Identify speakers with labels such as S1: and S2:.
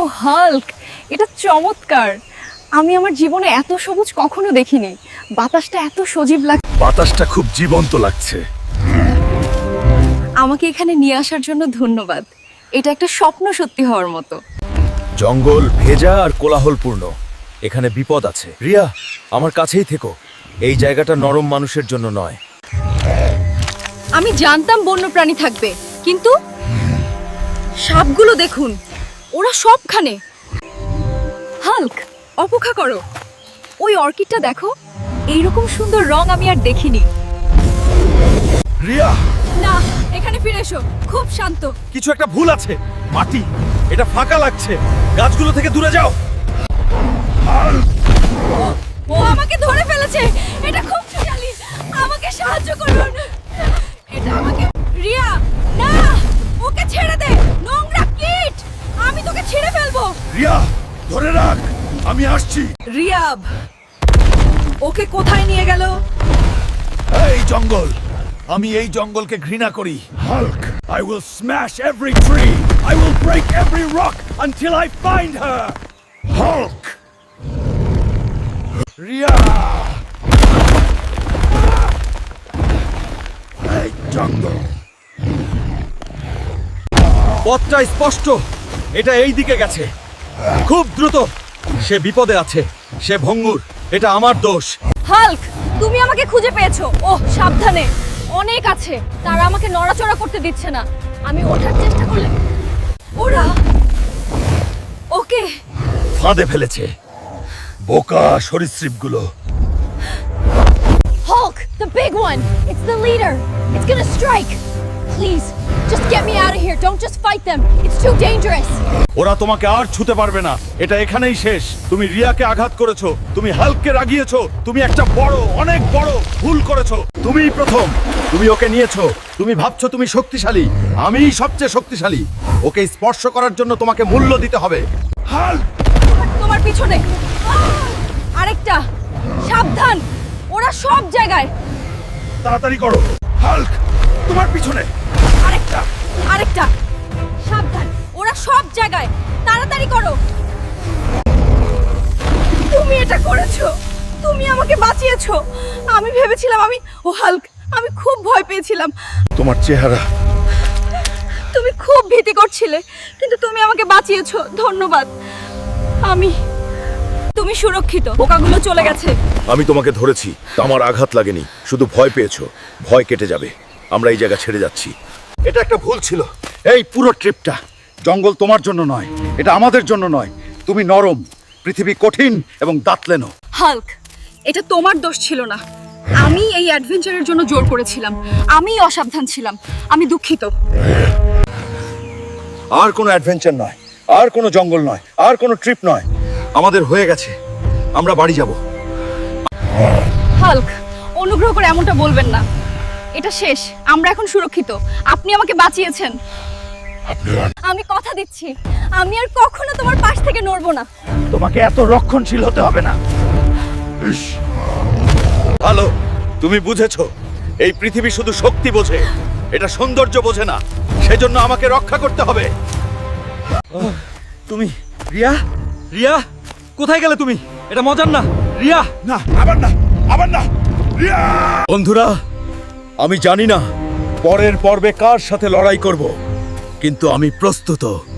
S1: Hulk, এটা চমৎকার। আমি আমার জীবনে এত সবুজ কখনো দেখিনি। বাতাসটা এত সজীব লাগছে।
S2: বাতাসটা খুব জীবন্ত লাগছে।
S1: আমাকে এখানে নিয়ে আসার জন্য ধন্যবাদ। এটা একটা স্বপ্ন সত্যি হওয়ার মতো।
S2: জঙ্গল ভেজা আর কোলাহলপূর্ণ, এখানে বিপদ আছে। রিয়া, আমার কাছেই থেকো। এই জায়গাটা নরম মানুষের জন্য নয়।
S1: আমি জানতাম বন্যপ্রাণী থাকবে, কিন্তু সাপগুলো দেখুন, ওরা সবখানে। হাল্ক, অপেক্ষা করো। ওই অর্কিডটা দেখো, এইরকম সুন্দর রং আমি আর দেখিনি।
S2: রিয়া,
S1: না, এখানে ফিরে এসো। খুব শান্ত।
S2: কিছু একটা ভুল আছে। মাটি, এটা ফাঁকা লাগছে। গাছগুলো থেকে দূরে যাও।
S1: ও আমাকে ধরে ফেলেছে। এটা খুব শক্তিশালী। আমাকে সাহায্য করুন। এটা আমাকে। রিয়া, না, ওকে ছেড়ে দে। নোংরা কীট, আমি তোকে ছিঁড়ে ফেলবো।
S2: রিয়া, ধরে রাখ, আমি আসছি।
S1: রিয়াব, ওকে কোথায় নিয়ে গেল?
S2: এই জঙ্গল, আমি এই জঙ্গলকে ঘৃণা করি। Hulk, I will smash every tree. I will break every rock until I find her. Hulk. Riya, এই জঙ্গল। পথটা স্পষ্ট, এটা এই দিকে গেছে। খুব দ্রুত। সে বিপদে আছে, সে ভঙ্গুর। এটা আমার দোষ।
S1: হাল্ক, তুমি আমাকে খুঁজে পেয়েছো। ওহ, সাবধানে, অনেক আছে। তারা আমাকে নড়াচড়া করতে দিচ্ছে না। আমি ওঠার চেষ্টা করলে ওরা ওকে
S2: ফাঁদে ফেলেছে। বোকা সরীসৃপগুলো।
S1: Hulk, the big one. It's the leader. It's gonna strike. Please, just get me out of here. Don't just fight them. It's too dangerous.
S2: ওরা তোমাকে আর ছুতে পারবে না। এটা এখানেই শেষ। তুমি রিয়াকে আঘাত করেছো, তুমি হাল্ককে রাগিয়েছো, তুমি একটা বড়, অনেক বড় ভুল করেছো। তুমিই প্রথম। তুমি ওকে নিয়েছো। তুমি ভাবছো তুমি শক্তিশালী। আমিই সবচেয়ে শক্তিশালী। ওকে স্পর্শ করার জন্য তোমাকে মূল্য দিতে হবে। হাল্ক,
S1: তোমার পিছনে আরেকটা। সাবধান, ওরা সব জায়গায়।
S2: তাড়াতাড়ি করো। হাল্ক, তোমার পিছনে
S1: আরেকটা, আরেকটা। সাবধান, ওরা সব জায়গায়। তাড়াতাড়ি করো। তুমি এটা করেছো। তুমি আমাকে বাঁচিয়েছো। আমি ভেবেছিলাম ও হাল্ক, আমি খুব ভয় পেয়েছিলাম।
S2: তোমার চেহারা।
S1: তুমি খুব ভীতি করছিলে, কিন্তু তুমি আমাকে বাঁচিয়েছো। ধন্যবাদ। তুমি সুরক্ষিত। পোকাগুলো চলে গেছে।
S2: আমি তোমাকে ধরেছি, আমার আঘাত লাগেনি, শুধু ভয় পেয়েছো। ভয় কেটে যাবে। আমরা এই জায়গা ছেড়ে যাচ্ছি। এটা একটা ভুল ছিল। এই পুরো ট্রিপটা। জঙ্গল তোমার জন্য নয়, এটা আমাদের জন্য নয়। তুমি নরম, পৃথিবী কঠিন এবং দাঁতলেনো।
S1: হাল্ক, এটা তোমার দোষ ছিল না। আমি এই অ্যাডভেঞ্চারের জন্য জোর করেছিলাম। আমি অসাবধান ছিলাম। আমি দুঃখিত।
S2: আর কোনো অ্যাডভেঞ্চার নয়, আর কোনো জঙ্গল নয়, আর কোনো ট্রিপ নয়। আমাদের হয়ে গেছে। আমরা বাড়ি যাব।
S1: হাল্ক, অনুগ্রহ করে এমনটা বলবেন না। এটা শেষ। আমরা এখন সুরক্ষিত। আপনি আমাকে বাঁচিয়েছেন। আমি কথা দিচ্ছি, আমি আর কখনো তোমার পাশ থেকে নড়বো না।
S2: তোমাকে এত রক্ষণশীল হতে হবে না। ভালো, তুমি বুঝেছো। এই পৃথিবী শুধু শক্তি বোঝে, এটা সৌন্দর্য বোঝে না। সেজন্য আমাকে রক্ষা করতে হবে। তুমি রিয়া, রিয়া, কোথায় গেলে তুমি? এটা মজার না। রিয়া, না, আবার না, আবার না। রিয়া! বন্ধুরা, আমি জানি না পরের পর্বে কার সাথে লড়াই করব, কিন্তু আমি প্রস্তুত।